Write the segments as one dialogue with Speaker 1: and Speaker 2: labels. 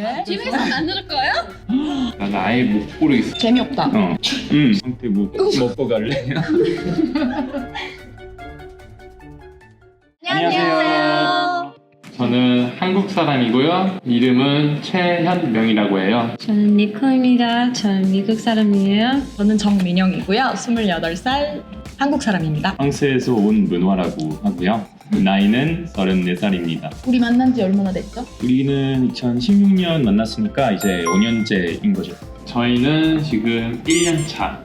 Speaker 1: 왜?
Speaker 2: 집에서 만들 거예요?
Speaker 3: 난 아예 못 고르겠어.
Speaker 1: 재미없다.
Speaker 3: 황태국 먹고 갈래? 안녕하세요. 저는 한국 사람이고요. 이름은 최현명이라고 해요.
Speaker 2: 저는 니코입니다. 저는 미국 사람이에요.
Speaker 1: 저는 정민영이고요. 28살 한국 사람입니다.
Speaker 3: 프랑스에서 온 문화라고 하고요. 나이는 34살입니다.
Speaker 1: 우리 만난 지 얼마나 됐죠?
Speaker 3: 우리는 2016년 만났으니까 이제 5년째인 거죠. 저희는 지금 1년 차.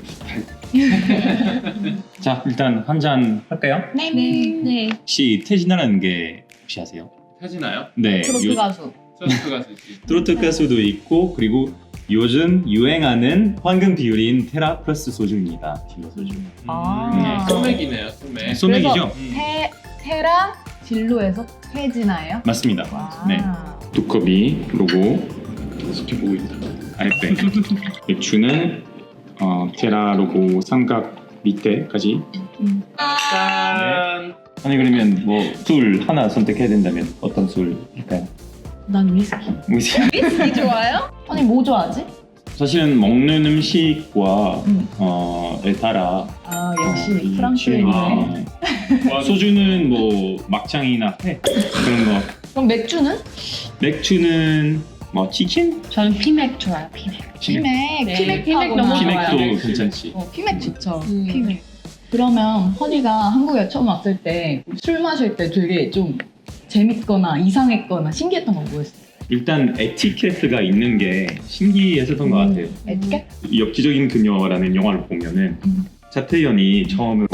Speaker 3: 자, 일단 한 잔 할까요?
Speaker 1: 네.
Speaker 2: 네.
Speaker 3: 혹시 태진아라는 게 혹시 아세요?
Speaker 4: 태진아요?
Speaker 3: 네.
Speaker 1: 트로트 가수.
Speaker 4: 트로트 가수지.
Speaker 3: 트로트 가수도 있고 그리고 요즘 유행하는 황금 비율인 테라 플러스 소주입니다. 딜러 소주.
Speaker 4: 소맥이네요, 소맥.
Speaker 3: 소맥이죠?
Speaker 1: 테랑 진로에서 태진아예요?
Speaker 3: 맞습니다.
Speaker 1: 와.
Speaker 3: 네. 두꺼비 로고 계속해 보고 있다. 알백. 맥주는 테라 로고 삼각 밑에까지.
Speaker 4: 짠!
Speaker 3: 아니 그러면 뭐 술 하나 선택해야 된다면 어떤 술일까요?
Speaker 1: 난 위스키.
Speaker 3: 위스키.
Speaker 1: 위스키 좋아요? 아니 뭐 좋아하지?
Speaker 3: 사실은 먹는 음식과 에 따라
Speaker 1: 아 역시
Speaker 3: 이
Speaker 1: 프랑스인이네.
Speaker 3: 취향이 소주는 뭐 막창이나 회 그런 거.
Speaker 1: 그럼 맥주는?
Speaker 3: 맥주는 뭐 치킨?
Speaker 2: 저는 피맥 좋아요. 피맥.
Speaker 1: 피맥.
Speaker 2: 네,
Speaker 1: 피맥
Speaker 2: 피맥 너무
Speaker 1: 좋아요.
Speaker 3: 피맥도 괜찮지.
Speaker 1: 피맥 좋죠.
Speaker 2: 음.
Speaker 1: 피맥. 그러면 허니가 한국에 처음 왔을 때 술 마실 때 되게 좀 재밌거나 이상했거나 신기했던 건 뭐였어요?
Speaker 3: 일단 에티켓트가 있는 게 신기했었던 것 같아요.
Speaker 1: 에티켓?
Speaker 3: 엽기적인 그녀라는 영화를 보면은 차태현이 처음으로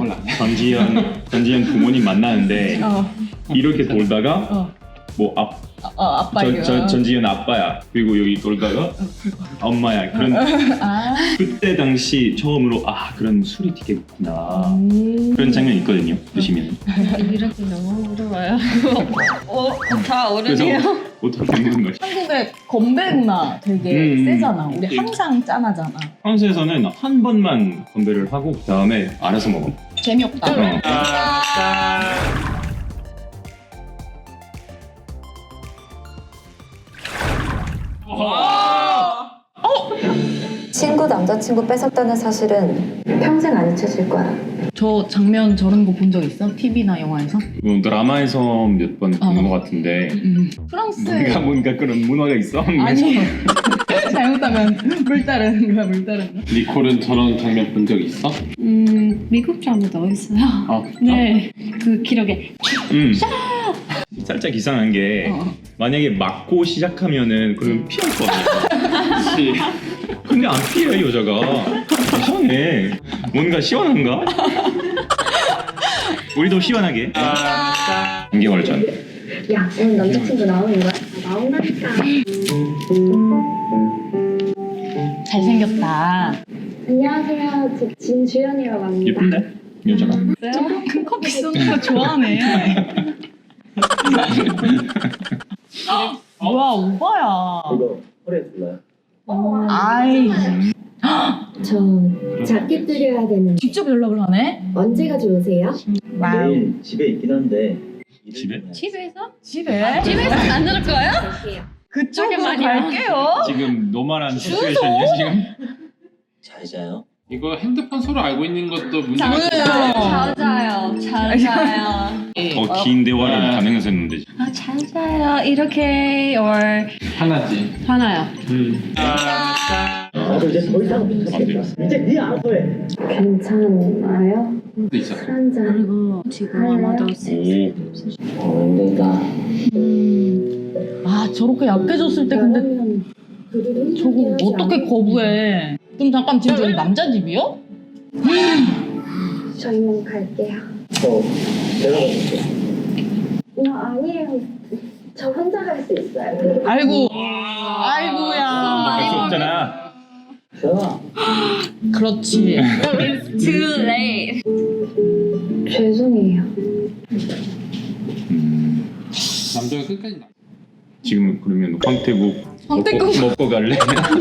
Speaker 3: 전지현 부모님 만나는데 이렇게 돌다가 뭐
Speaker 1: 아빠 이거.
Speaker 3: 전지현 아빠야 그리고 여기 돌다가 엄마야 그런 그때 당시 처음으로 그런 술이 되게 있구나 그런 장면이 있거든요. 보시면
Speaker 2: 이렇게 너무 어려워요. 다
Speaker 3: 그래서
Speaker 2: 어렵네요.
Speaker 3: 어떻게 먹는 거지?
Speaker 1: 한국의 건배 문화 되게 세잖아. 우리 항상 짠하잖아.
Speaker 3: 프랑스에서는 한 번만 건배를 하고 그 다음에 알아서 먹어.
Speaker 1: 재미없다.
Speaker 5: 친구 남자친구 뺏었다는 사실은 평생 안 잊혀질 거야.
Speaker 1: 저 장면 저런 거 본 적 있어? TV나 영화에서?
Speaker 3: 드라마에서 몇 번 본 것 같은데
Speaker 1: 프랑스
Speaker 3: 뭔가 그런 문화가 있어?
Speaker 1: 아니 잘못하면 물다른 거야 물다른 거.
Speaker 4: 니콜은 저런 장면 본 적 있어?
Speaker 2: 미국 드라마도 있어요.
Speaker 3: 아,
Speaker 2: 네. 그 기록에
Speaker 3: 살짝 이상한 게 만약에 맞고 시작하면은 그럼 피할 거 아니야.
Speaker 4: 그치.
Speaker 3: 근데 안 피해 여자가. 이상해. 뭔가 시원한가? 우리도 시원하게. 3개월 전.
Speaker 5: 야, 오늘 남자친구 나오는 거야? 나온다니까.
Speaker 1: 잘생겼다.
Speaker 5: 안녕하세요. 저 진주연이라고 합니다.
Speaker 3: 예쁜데? 여자가.
Speaker 1: 큰 커피 쏘는 거 좋아하네. 뭐야 오바야.
Speaker 6: 이거 허리에 불러요?
Speaker 1: 아이
Speaker 5: 저 자켓 드려야 되는데
Speaker 1: 직접 연락을 하네.
Speaker 5: 언제가 좋으세요?
Speaker 6: 내일 집에 있긴 한데
Speaker 3: 집에?
Speaker 2: 집에서?
Speaker 1: 집에?
Speaker 2: 집에서 만들 거예요?
Speaker 1: 그쪽으로
Speaker 2: 잠깐만요.
Speaker 1: 갈게요.
Speaker 3: 지금 노말한 시츄에이션이야 지금?
Speaker 6: 잘 자요?
Speaker 4: 이거 핸드폰 서로 알고 있는 것도 문제가
Speaker 1: 뭐예요?
Speaker 2: 잘 자요. 잘 자요.
Speaker 3: 긴 대화를 가능했었는데.
Speaker 2: 잘 자요. 이렇게
Speaker 4: 하나지.
Speaker 2: 하나요.
Speaker 6: 나도 이제 더 이상 못하겠다. 이제 네 알아서 해.
Speaker 5: 괜찮아요?
Speaker 4: 도 있었어.
Speaker 5: 한 잔.
Speaker 2: 그리고 지금 아마도
Speaker 6: 내가
Speaker 1: 아 저렇게 약해졌을 때 근데
Speaker 5: 그러면 그들은
Speaker 1: 저거 어떻게 거부해? 그럼 잠깐 지금 저기 남자 집이요?
Speaker 5: 저희만 갈게요.
Speaker 6: 내가 가줄게.
Speaker 5: 아니에요. 저 혼자 갈 수 있어요.
Speaker 1: 아이고
Speaker 3: 할
Speaker 1: 아이고야.
Speaker 3: 수 없잖아.
Speaker 6: 자,
Speaker 1: 그렇지.
Speaker 2: Too late.
Speaker 5: 죄송해요.
Speaker 4: 남자가 끝까지 나.
Speaker 3: 지금 그러면 황태국
Speaker 1: 황태국.
Speaker 3: 먹고 갈래?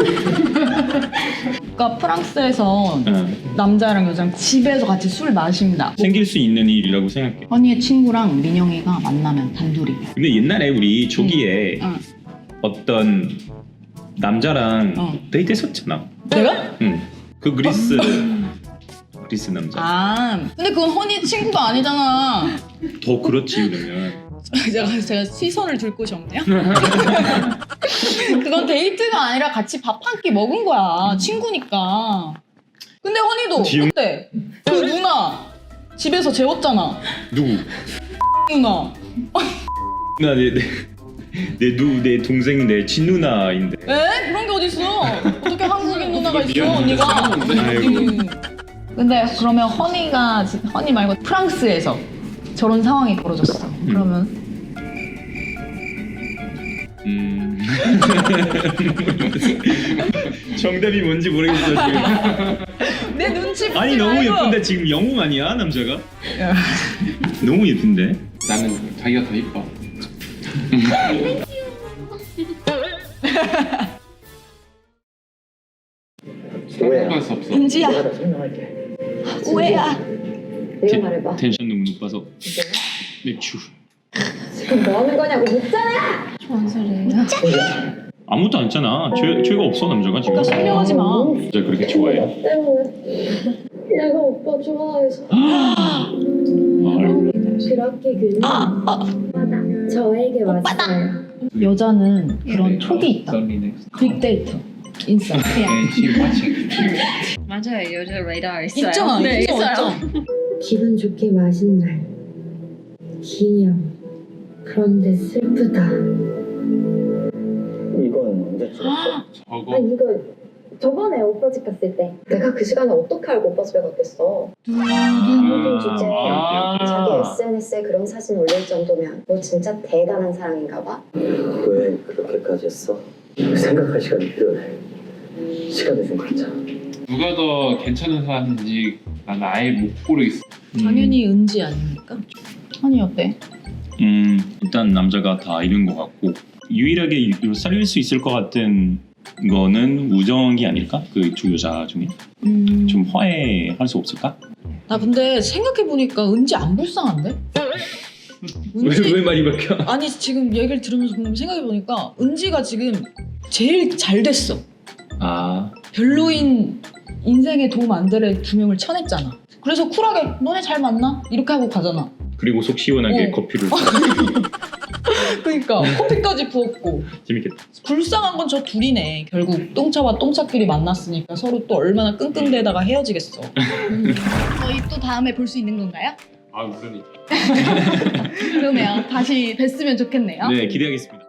Speaker 1: 그러니까 프랑스에서 남자랑 여자랑 집에서 같이 술 마신다.
Speaker 3: 생길 수 있는 일이라고 생각해.
Speaker 1: 허니의 친구랑 민영이가 만나면 단둘이.
Speaker 3: 근데 옛날에 우리 조기에 어떤 남자랑 데이트했었잖아.
Speaker 1: 내가?
Speaker 3: 응. 그 그리스 남자.
Speaker 1: 아 근데 그건 허니 친구가 아니잖아.
Speaker 3: 더 그렇지 그러면.
Speaker 1: 제가 시선을 둘 곳이 없네요. 그건 데이트가 아니라 같이 밥 한 끼 먹은 거야. 친구니까. 근데 허니도
Speaker 3: 지금-
Speaker 1: 그때 그 누나 집에서 재웠잖아.
Speaker 3: 누구?
Speaker 1: 누나.
Speaker 3: 내 동생 내 친누나인데.
Speaker 1: 에? 그런 게 어딨어? 어떻게 한국인 누나가 있어
Speaker 4: 미안해.
Speaker 1: 언니가?
Speaker 3: 아이고.
Speaker 1: 근데 그러면 허니 말고 프랑스에서 저런 상황이 벌어졌어. 그러면
Speaker 3: 정답이 뭔지 모르겠어 지금.
Speaker 1: 내 눈치 보지
Speaker 3: 아니 너무
Speaker 1: 말고.
Speaker 3: 예쁜데 지금 영웅 아니야 남자가? 너무 예쁜데.
Speaker 4: 나는 자기가 더 이뻐. 생각할 수 없어.
Speaker 1: 은지야
Speaker 6: 내가 다 설명할게.
Speaker 1: 오해야.
Speaker 5: 네가 말해봐.
Speaker 3: 텐션 너무 높아서. 맥주.
Speaker 5: 지금 뭐 하는 거냐고 묻잖아.
Speaker 2: 뭔 소리예요?
Speaker 3: 아무것도 안 했잖아. 죄가 없어 남자가 지금.
Speaker 1: 그러니까 설명하지 마.
Speaker 3: 진짜 그렇게 좋아해?
Speaker 5: 나 때문에 내가 오빠 좋아해서
Speaker 3: 아이고.
Speaker 5: 그렇게 그는 오빠다. 저에게 왔어요.
Speaker 1: 여자는 그런 촉이 있다. 빅데이터. 인싸.
Speaker 2: 맞아요. 여자 레이더 있어요.
Speaker 1: 있잖아.
Speaker 2: 네,
Speaker 1: 있어,
Speaker 2: 있어요.
Speaker 1: 있잖아.
Speaker 5: 기분 좋게 마신 날 기념. 그런데 슬프다.
Speaker 6: 이건 언제 찍었어?
Speaker 4: 저거
Speaker 5: 이거 저번에 오빠 집 갔을 때 내가 그 시간에 어떻게 알고 오빠 집에 갔겠어. 모든 주제에 자기 SNS에 그런 사진 올릴 정도면 너 진짜 대단한 사랑인가 봐.
Speaker 6: 왜 그렇게까지 했어? 생각할 시간이 필요해. 시간을 좀 갖자.
Speaker 4: 누가 더 괜찮은 사람인지 난 아예 못 고르겠어.
Speaker 1: 당연히 은지 아닙니까? 허니 어때?
Speaker 3: 일단 남자가 다 잃은 것 같고 유일하게 살릴 수 있을 것 같은 거는 우정이 아닐까? 그 두 여자 중에 좀 화해할 수 없을까?
Speaker 1: 나 근데 생각해보니까 은지 안 불쌍한데?
Speaker 3: 왜 말이 바뀌어?
Speaker 1: 아니 지금 얘기를 들으면서 생각해보니까 은지가 지금 제일 잘 됐어.
Speaker 3: 아
Speaker 1: 별로인 인생에 도움 안 될 애 두 명을 쳐냈잖아. 그래서 쿨하게 너네 잘 만나? 이렇게 하고 가잖아.
Speaker 3: 그리고 속 시원하게 커피를
Speaker 1: 그러니까 커피까지 부었고.
Speaker 3: 재밌겠다.
Speaker 1: 불쌍한 건 저 둘이네. 결국 똥차와 똥차끼리 만났으니까 서로 또 얼마나 끙끙대다가 헤어지겠어. 저희 또 다음에 볼 수 있는 건가요?
Speaker 4: 아 물론이죠.
Speaker 1: 그러면 다시 뵀으면 좋겠네요.
Speaker 3: 네 기대하겠습니다.